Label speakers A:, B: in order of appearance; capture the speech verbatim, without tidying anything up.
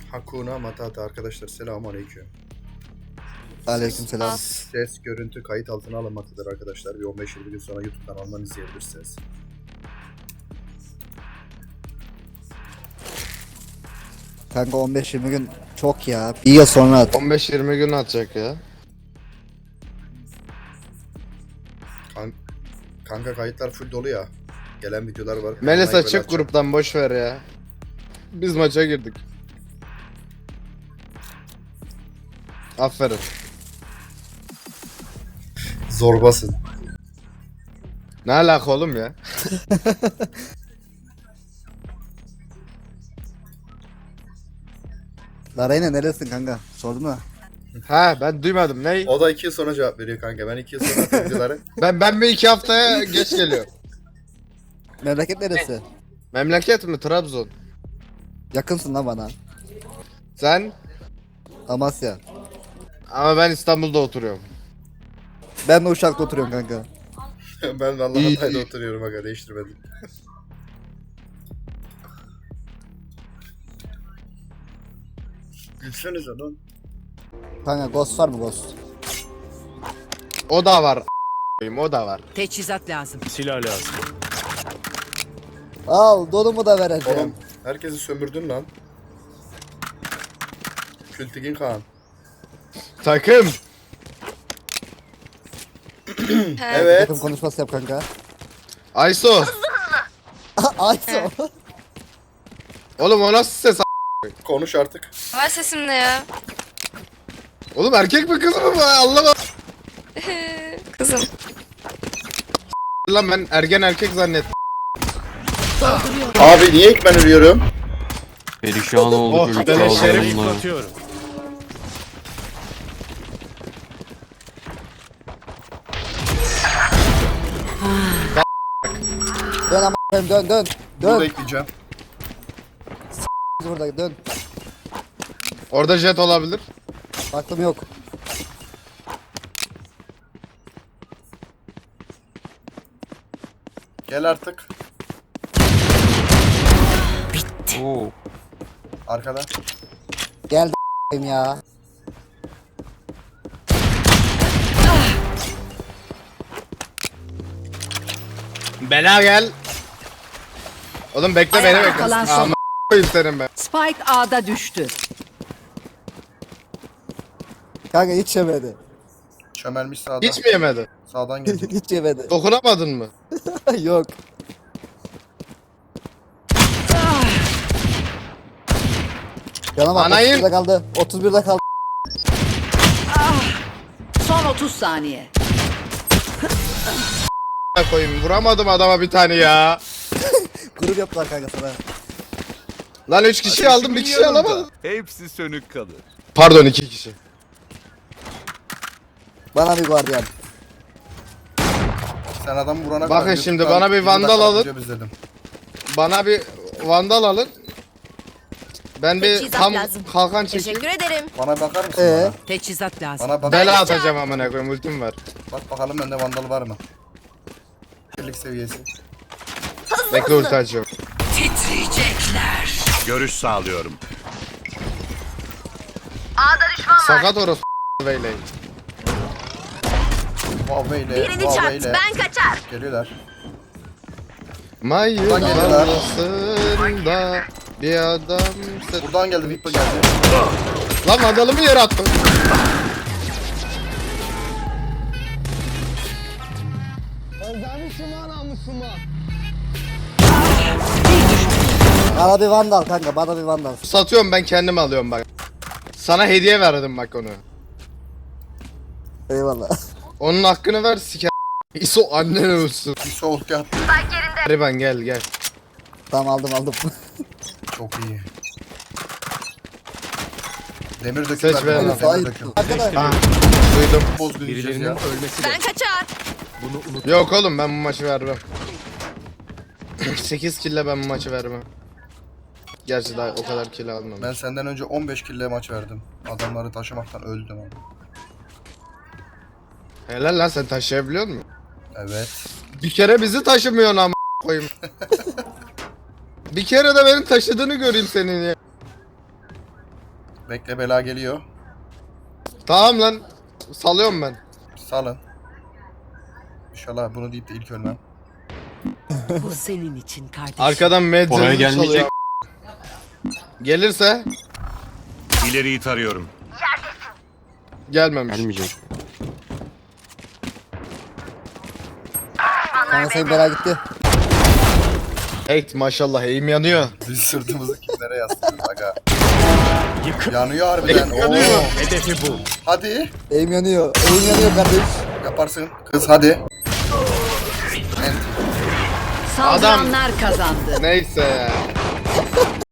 A: Hakuna Matata arkadaşlar, selamun aleyküm.
B: Aleykümselam.
A: Ses, görüntü kayıt altına alınmaktadır arkadaşlar. Bir on beş yirmi gün sonra YouTube kanalından izleyebilirsiniz.
B: Kanka on beş yirmi gün çok ya. Bir yıl sonra at.
C: on beş yirmi gün atacak ya.
A: Kan Kanka kayıtlar full dolu ya. Gelen videolar var.
C: Melisa
A: Like böyle
C: çık
A: atacağım.
C: gruptan, boş ver ya. Biz maça girdik. Aferin.
A: Zorbasın.
C: Ne alaka oğlum ya?
B: Larayna neresin kanka? Sordun mu?
C: Ha ben duymadım. Ney?
A: O da iki yıl sonra cevap veriyor kanka. Ben iki yıl sonra attım videoları.
C: Ben ben bir iki haftaya geç geliyor.
B: Memleket neresi?
C: Memleket mi? Trabzon.
B: Yakınsın lan bana.
C: Sen?
B: Amasya.
C: Ama ben İstanbul'da oturuyorum.
B: Ben de Uşak'ta oturuyorum kanka.
A: Ben de Allah
C: İyi,
A: Hatay'da
C: iyi.
A: oturuyorum aga, değiştirmedim. Gülsenize lan.
B: Kanka Ghost var mı Ghost?
C: O da var. a**ayım, O da var.
D: Teçhizat lazım.
E: Silah lazım.
B: Al donumu da vereceğim.
A: Oğlum herkesi sömürdün lan. Kültigin Kaan.
C: Takım.
A: Evet.
B: Takım konuşması yap kanka.
C: Ayso.
B: Ayso.
C: Oğlum o nasıl ses a**?
A: Konuş artık.
F: Var sesim ne ya?
C: Oğlum erkek mi kız mı bu? Anlamadım.
F: Kızım.
C: Lan ben ergen erkek zannettim.
A: Abi niye ilk ben ölüyorum?
G: Perişan olduk
C: Oh,
G: ülke
C: dene şerif.
G: adamla.
E: Yıpratıyorum.
B: Dön ama dön dön dön.
A: Bunu da
B: Dön.
A: ekleyeceğim.
B: Burada dön.
C: Orada jet olabilir.
B: Baktım yok.
A: Gel artık.
G: Oo.
A: Arkada.
B: Geldi ya.
C: Bela gel. Oğlum bekle beni
D: Ayakta
C: bekle.
D: kalan son-
C: Ama koyayım senin ben.
D: Spike A'da düştü.
B: Kanka hiç yemedi.
A: Çömelmiş sağdan.
C: Hiç mi yemedi?
A: Sağdan geldi.
B: Hiç yemedi.
C: Dokunamadın mı?
B: Yok. Canım bak
C: Anayım.
B: otuz birde kaldı. otuz birde kaldı.
D: Son otuz saniye.
C: Koyayım vuramadım adama bir tane ya.
B: Grup yaptılar kanka sana.
C: Lan üç kişi aldım bir kişi alamadım.
E: Hepsi sönük kalır.
C: Pardon iki kişi.
B: Bana bir guardiyan.
A: Sen adam vurana
C: Bakın
A: kadar
C: şimdi
A: YouTube'dan
C: bana bir
A: yirmi
C: vandal
A: dakika
C: alın.
A: video izledim.
C: Bana bir vandal alın. Ben bir
F: Teçhizat
C: tam
F: lazım.
C: kalkan çekeyim.
F: Teşekkür ederim.
A: Bana bakar mısın
B: Ee?
A: bana?
D: Teçhizat lazım.
A: Bana bak.
C: Bela atacağım amına koyayım ultim var.
A: Bak bakalım bende vandal var mı? Birlik seviyesi.
C: Bekle ulti açıyorum.
D: Titriyecekler.
E: Görüş sağlıyorum.
C: Sakat orası beyleyin.
A: Huawei'yle.
F: Birini çarp.
A: Huawei'yle.
F: Ben kaçar.
A: Geliyorlar.
C: Mayın
A: Buradan geliyorlar.
C: arasında bir adam...
A: Buradan geldi, Vipa geldi.
C: Lan vandalımı yere attım.
B: Bana bir vandal kanka bana bir vandal.
C: Satıyorum ben kendim alıyorum bak. Sana hediye verdim bak onu.
B: Eyvallah.
C: Onun hakkını ver siker. İso annen ölsün.
A: Bir soğuk yat.
C: Hariban gel gel.
B: Tamam aldım aldım.
A: Çok iyi. Demir
C: Seç
A: döküm.
C: ver lan.
A: Demir döküm.
B: Arkadaş.
C: Ha, duydum.
A: Boz gideceğiz
E: Birilerinin
A: ya.
E: ölmesi
F: Ben kaçar.
E: Bunu unut.
C: Yok oğlum ben bu maçı vermem. sekiz kille ben bu maçı vermem. Gerçi daha o kadar kill almam.
A: Ben senden önce on beş kille maç verdim. Adamları taşımaktan öldüm ama.
C: Helal lan sen taşıyabiliyor musun?
A: Evet.
C: Bir kere bizi taşımıyorsun ama koyayım. Bir kere de benim taşıdığını göreyim senin ya.
A: Bekle bela geliyor.
C: Tamam lan. Salıyorum ben.
A: Salın. İnşallah bunu deyip de ilk ölmem.
D: Bu senin için kardeşim.
C: Arkadan
G: Oraya
C: medzeni
G: gelmeyecek.
C: çalıyor. Gelirse
E: İleriyi tarıyorum.
C: gelmemiş.
G: Gelmeyecek.
B: Kanka senin bela gitti.
C: Hey maşallah eğim yanıyor.
A: Biz sırtımızı kimlere yaslıyoruz aga. Yanıyor harbiden.
C: Yanıyor.
A: Oo.
E: Hedefi bul.
A: Hadi.
B: Eğim yanıyor. Eğim yanıyor kardeş.
A: Yaparsın. Kız hadi.
D: Saldıranlar kazandı.
C: Neyse ya.